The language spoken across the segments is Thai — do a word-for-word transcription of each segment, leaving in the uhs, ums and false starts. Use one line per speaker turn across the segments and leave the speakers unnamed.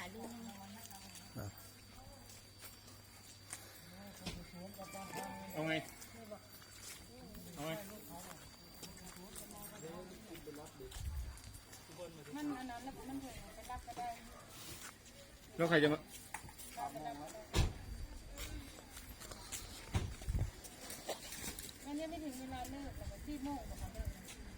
เอาไงเอาไงมันอันนั้นแล้วมันเถิดไปรับก็ได้แล้วใครจะมาอันนี้ไม่ถึงเวลาเลิกแต่ที่โมงนะคะเลิก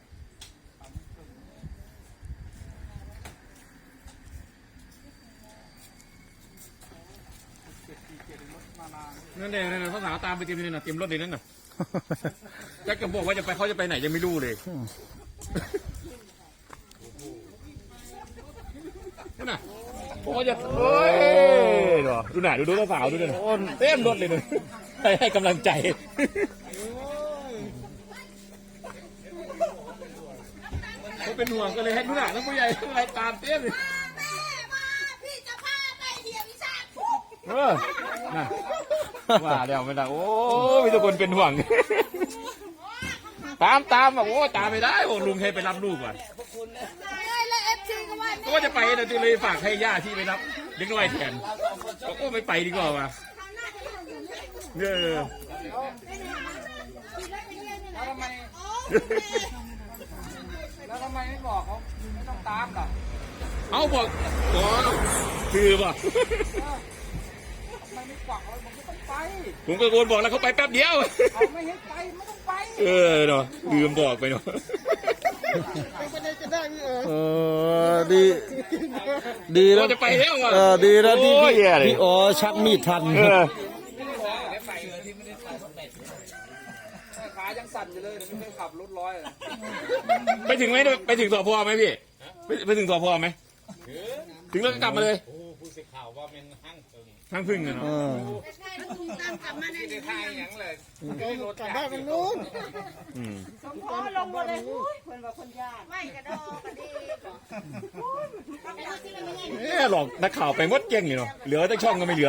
นั่นเองนั่นเขาถามตามไปเตรียมนี่นะเตรียมรถเลยนั่นน่ะแจ็คก็บอกว่าจะไปเขาจะไปไหนยังไม่รู้เลยนั่นน่ะผมจะเฮ้ยดูหน่าดูดูตัวสาวดูดิเต็มรถเลยเลยให้ให้กำลังใจเขาเป็นห่วงก็เลยให้ดูหน่าแล้วผู้ใหญ่อะไรตามเต็มเลยพี่จะพาไปเที่ยววิชาเออน่ะว่าเดี๋ยวไม่ได้โอ้มีทุกคนเป็นห่วงตามตามอ่ะโอ้ตามไม่ได้โอ้ลุงให้ไปรับลูกก่อนก็จะไปแต่ที่เลยฝากให้ย่าที่ไปรับเด็กน้อยแทนก็โอ้ไม่ไปดีกว่าว่ะเออ
แล้วทำไมแล้วทำไมไม่บอกเขาไม่ต้องตามล่ะ
เอาบอกอ๋อคือป่ะ
ทำไมไม่กวักเลยผมไม่ต้องไป
ผมก็โกนบอกแล้วเขาไปแป๊บเดียว
เขาไม่ให้ไปไม่ต้องไป
เออเนาะลืมบอกไปเนาะ
เออดีดีแล้ว
จะไปแล้วอ่ะ
เออดีแล้วที่พี่อ๋อชักมีดทัน
ขายังสั่นอยู่เลยไม่เคยขับรถร้อย
ไปถึงไหมไปถึงสพไหมพี่ไปถึงสพไหมถึงแล้วก็กลับมาเลยผู้สื่อข่าวว่าเป็นห้างพึ่งห้างพึ่งเนาะ
ตามกลับมาในทางอย่างเลย
กลับบ้านมันนู้น
สมพรลงหมดเลยคนว่าคนยากไม่กระดองกระดี
เอ๊ะหลอกนักข่าวไปมดเก่งเลยเนาะเหลือแต่ช่องก็ไม่เหลือ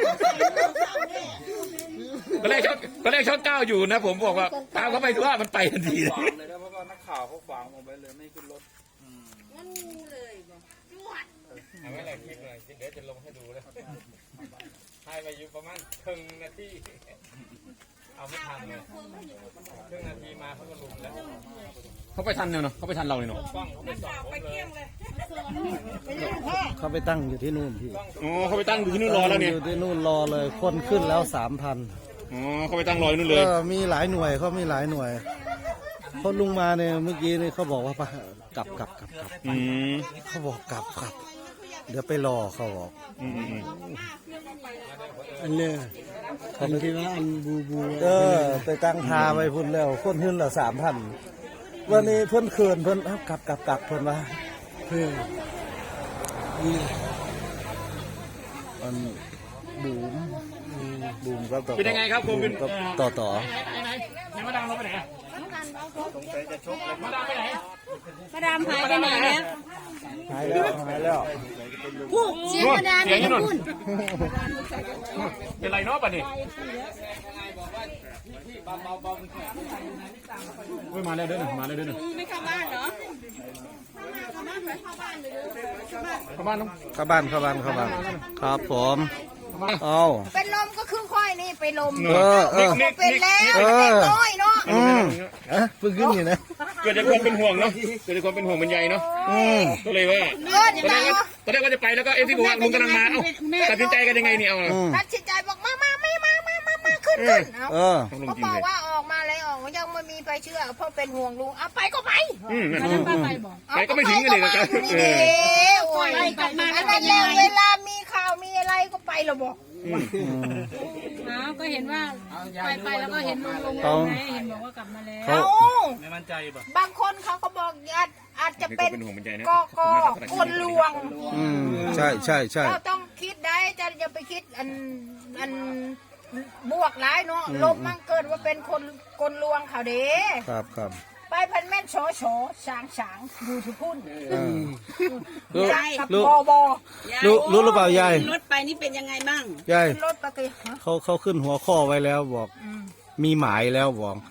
ก็แรกช่องก็แรกช่องเก้าอยู่นะผมบอกว่าตามเขาไปดูว่ามันไปทันทีเลย
เพราะว่านักข่าวเขาขวางผมไปเลยไม่ขึ้นรถ
งั้นงูเลยจวด
เอาไว้อะไรคลิปเลยเดี๋ยวจะลงให้ดูเลยให้มาอยู่ประมาณครึ่งนาทีเอาไม่ทันเลยครึ่งนาทีมาเขาก็ลุมแล้วเขาไปทันเนาะเขาไปทันเราเลยเนาะ
ไปเที่ยงเลย
เขาไปตั้งอยู่ที่นู่นพี่
อ๋อเขาไปตั้งอยู่ที่นู่นรอแล้วเนี่ย
อยู่ที่นู่นรอเลยคนขึ้นแล้วสามพัน
อ๋อเขาไปตั้งรออยู่นู่นเลย
มีหลายหน่วยเขามีหลายหน่วยเขาลุงมาเนี่ยเมื่อกี้นี่เขาบอกว่ากลับกลับกลับกลับเขาบอกกลับกลับเดี๋ยวไปรอเขาบอก
อันเนี้ยทำที่ว่าอันบูบู
เออไปตั้งทาไว้พุ่นแล้วคนขึ้นละสามพันวันนี้เพิ่นเขินเพิ่นกลับกลับกลับเพิ่นว่าเพื่ออันบูมบูมก็ต่อ
เป็นยังไงครับคุณเป็น
ต่อต่อ
ไหนมาดามเราไปไหนมาดามไปไหน
มาดามหายไปไหนแล้ว
หายแล้วหายแล้ว
พูดเสียงมาดาม
เสียงนี่นเป็นไรเนาะป่ะนี่เฮ้ยมาแล้วเด้อมาแล้วเด้อ
ไม่เข้าบ้านเหรอ
เข้าบ้าน
เข้าบ้านเข้าบ้านเข้าบ้านครับผมเอา
เป็นลมก็คือค่อยนี่เป็นลม
เออเออ
เป็นแล้วเป็นน้อยเนาะ
อืมเอ๊ะเพิ่งขึ้นอยู่นะ
เกิดจากความเป็นห่วงเนาะเกิดจากความเป็นห่วงเป็นใยเนาะก็เลยว่าตอนแรกว่าจะไปแล้วก็เอ็มที่บอกว่าลุงกำลังมาเอ้าตัดสินใจกันยังไงเนี่ยเอา
ตัดสินใจบอกมามาไม่มามามามาขึ้นขึ้นเออเขาบอกว่าออกมาแล้วออกยังไม่มีไปเชื่อเพราะเป็นห่วงลุงเอาไปก็ไป
ไปก็ไม่ถึงกันเลยนะครับ
เออโอ้ยกลับมาแล้วเวลามีข่าวมีอะไรก็ไปเราบอก
อ้าวก็เห็นว่าไปไปแล้วก็เห็นลุงลงไงเห็นบอกว่ากลับมาแล้ว
เขา
ไม่มั่นใจป่ะ
บางคนเขาก็บอกอาจอาจจะเป็นกอกคนลวง
ใช่ใช่ใช่
เราต้องคิดได้จะอย่าไปคิดอันอันบวกร้ายเนาะลบมั่งเกิดว่าเป็นคนคนลวงเขาเด้
ครับครับ
ไปพันแม่นโฉโฉสางสางดูทุกพุ่น
รู้
รู้
รู้รู้หรือเปล่ายาย
รถไปนี่เป็นยังไงบ้าง
ยาย
รถปกติ
เขาเขาขึ้นหัวข้อไว้แล้วบอกมีหมายแล้วบอกค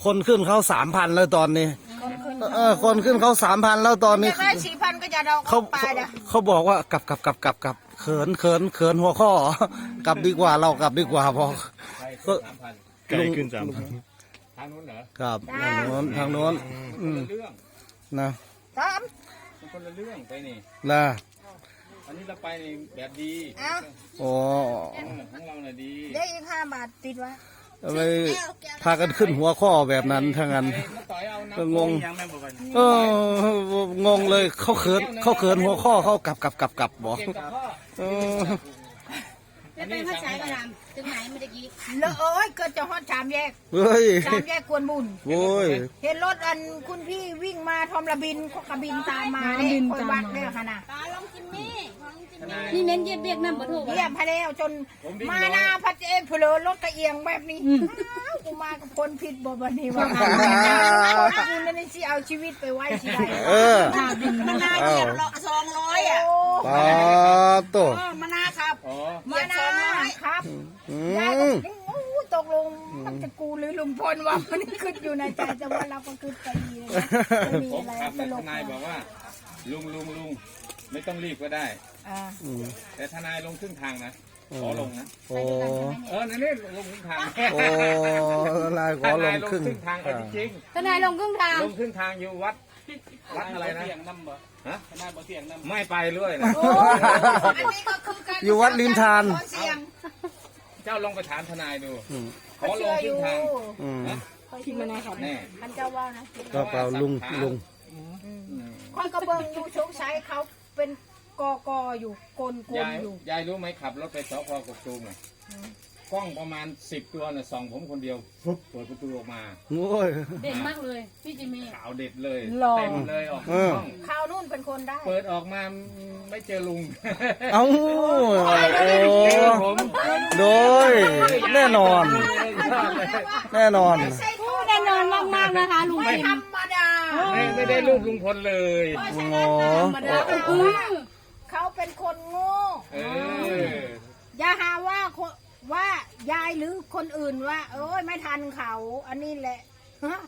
คนขึ้นเขาสามพันแล้วตอนนี้
คนขึ้น
เออคนขึ้นเขาสามพันแล้วตอนนี้
จะได้สี่พันก็จะเรา
เขา
ไป
เขา
นะ
เขาบอกว่ากลับกลับกลับกลับกลับเขินเขินเขินหัวข้อ กลับดีกว่าเรากลับดีกว่าพอ
ไปสามพัน
ไก่ขึ้นสามพัน
ทางนู้นเหรอ
ครับทางโน้นทางโน้น
ค
อื
น
ม
ละเรื่อง
นะ
สาม
มันคนละเรื่องไปนี่
นะ
อันนี้เราไปในแบบดี
เอา
โอ้
เออของเราน่ะดี
ได้อีกห้าบาทติดไว้
ทำไมพากันขึ้นหัวข้อแบบนั้นทั้งนั้น
ไปมาต่อยเอาน้ำ
ก็งง
ยังไม่บอกกัน
เอองงเลยเขาเขินเขาเขินหัวข้อเขากลับกลับกลับกลับบอก
เก็บกับพ่อ
เออ
แล้วเป็นภาษากระดำถึงไหนเมื่อกี้
แล้วเอ้ยเกิดจะฮอดสามแยก
เฮ้ย
สามแยกกวนบุญ
โว้ย
เห็นรถอันคุณพี่วิ่งมาทอมระบินเขากระบินตามมาเนี่ยคอยวัดเนี่ยค่ะนะ
นี่เน้นเย็บเบียกน้ำปะโถ
เยี่ยมพะแล้วจนมาหน้าพัดเอฟเพลอรถกระเอียงแบบนี้อ้าวกูมากับคนผิดบ่บันนี้ว่ากูนั่นสิเอาชีวิตไปไว้ที่ใด
เออ
มันนาเหยียบเราสองร้อยอ่ะ
โอ้
ปาโต
เออมันนาครับ
อ๋อ
มาหน้าครับ
อื
ยายก็
ม
โอ้ตกลงมันจะกูหรือลุงพลว่ามันขึ้นอยู่ในใจแต่ว่าเราก็ขึ้นไปดีเลยนะไม่มี
ผม
อะไร
ขับ
ต
แต่
ล
ท
ก
นายบอกว่า ลุงลุงลุงไม่ต้องรีบก็ได้
อ่า
อืม
แต่ทนายลงครึ่งทางนะขอลงนะ
โอ้
เออนั่นนี่ลงครึ่งทาง
โอ้นายขอลงครึ่ง
ทางเอาจริง
ทนายลงครึ่งทาง
ๆลงครึ่งทางอยู่วัดวัดอะไรนะฮะทนายบ่เสียงน้ำไม่ไปเลยนะ
โอ้อันนี้ก็คือการ
อยู่วัดลินทาน
ขอเสียง
เจ้าลองไปถามทนายดู
อืม
ขอลงครึ่งทาง
อืม
คิดมานะครับ
แน่
มันเจ้าว่านะ
ก็เปล่าลุงลุง
ข้อยกระเบิงอยู่ชงชัยเขาเป็นกอกออยู่กลกล
ยาย
อยู่
ยายรู้ไหมขับรถไปสพกกตูมน่ะกล้องประมาณสิบตัวน่ะส่องผมคนเดียวปุ๊บเปิดประตูออกมา
โอ้ย
เด่นมากเลยพี่จิมมี่
ขาวเด็ดเลยเต็มเลยออก
เออ
ห้อง
ข่าวนู่นเป็นคนได้
เปิดออกมาไม่เจอลุง
เอ้าโอ้
เจอผม
โดยแน่นอน แน่นอน
แน่นอนมากๆนะคะลุง
ไม่
จิม
ธรรมดา
ไม่ไม่ได้รูปลุงพลเลย
เพราะฉะ
โอ้
นั้นนะธรรมดา
อือ
เขาเป็นคนโง่
เออ
อย่าหาว่าคนว่ายายหรือคนอื่นว่า เอ้ยไม่ทันเขา อันนี้แหละฮะ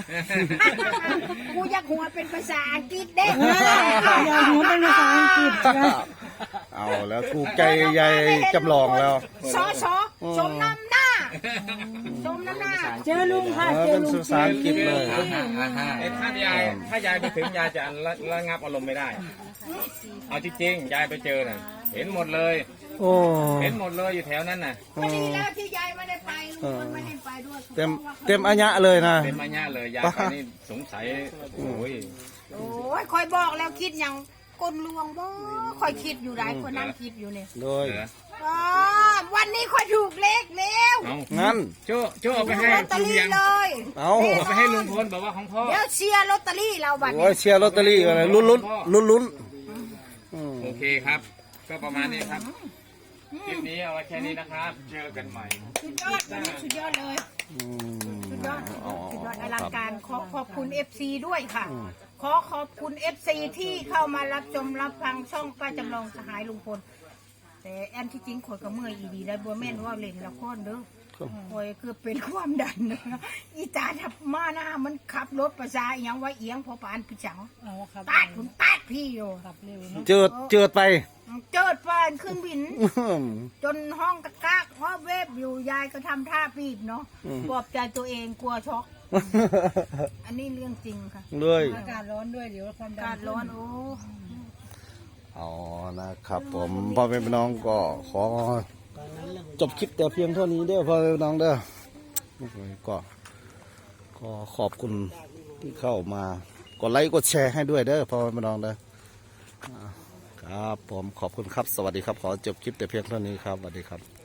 กูอยากหัวเป็นภาษาอังกฤษเด้
อย่าหัวเป็นภาษาอังกฤษนะ
เอาแล้วถูกใจยายจำลองแล้ว
สอสอสมน้ำหน้าสมน้ำหน้า
เจอลุงค่ะ
เออ
เจอ
เป็น
ลุง
ภาษาอังกฤษเลย
ไอ้ถ้ายายถ้ายายไปถึงยายจะระระงับอารมณ์ไม่ได้ เอาจริงๆยายไปเจอน่ะ เห็นหมดเลย
โอ้
เห็นหมดเลยอยู่แถวนั้นน่ะ
พอดีแล้วที่ยายไม่ได้ไปลุงพลไม่ได้ไปด้วย
เต็มเต็มอัญญะเลยนะ
เป็นมาญ่าเลยยายไปนี่สงสัยโอ้ย
โอ้ยคอยบอกแล้วคิดอย่างกลลวงบ่คอยคิดอยู่ได้คนนั่งคิดอยู่เนี่ย
โดย
เหลือ
อ๋อวันนี้คอยถูกเลขแล้ว
เอา
งั้น
โจ้โจ้เอาไปให้
ลอตเตอ
ลุง
รี่
ยัง
เลย
เอา
เอาไปให้ลุงพลบอกว่าของพ่อ
เดี๋ยวเชียร์ลอตเตอรี่เราบัด
โอ้
นี้
ยเชียร์ลอตเตอรี่กันเลยลุ้นลุ้นลุ้นลุ้นอืม
โอเคครับ ก็ประมาณนี้ครับคลิปนี้เอาไว้แค่นี้นะครับ เจอกันใหม่
สุดยอดวันนี้สุดยอดเลย
อืม
สุดยอด
อ๋อ
สุดยอดอ
ค
ลั
รั
ง
บ
การขอขอบคุณ เอฟ ซี ด้วยค่ะ
อืม
ขอขอบคุณ เอฟ ซี ที่เข้ามารับชมรับฟังช่องป้าจำลองสหายลุงพลแต่แอนที่จริงข่อยก็เมื่อยอีดีได้บัวแม่นว่าเล่นละครเด้อข่อยคือเป็นความดันนะอีตาทับมาหน้ามันขับรถประสาอหยังไว้เอียงพอปานพี่จัง
เอาครับ
ตัดผมตัดพี่อยู่
ขับเร็วเนาะ
เจิดเจิดไป
เจิดปานขึ้นบิน จนห้องกระกากห้อเวฟอยู่ยายก็ทำท่าปีบเนาะ
อืม
ปลอบใจตัวเองกลัวช็อก อันนี้เรื่องจริงค่ะ
ด้วย
อากาศร้อนด้วยเดี๋ยวความดัน
การร้อนโอ้
อ๋อนะครับผมพ่อแม่พี่น้องก็ขอจบคลิปแต่เพียงเท่านี้เด้อพ่อแม่พี่น้องเด้อก็ก็ขอบคุณที่เข้ามากดไลค์กดแชร์ให้ด้วยเด้อพ่อแม่พี่น้องเด้ออ่าครับผมขอบคุณครับสวัสดีครับขอจบคลิปแต่เพียงเท่านี้ครับสวัสดีครับ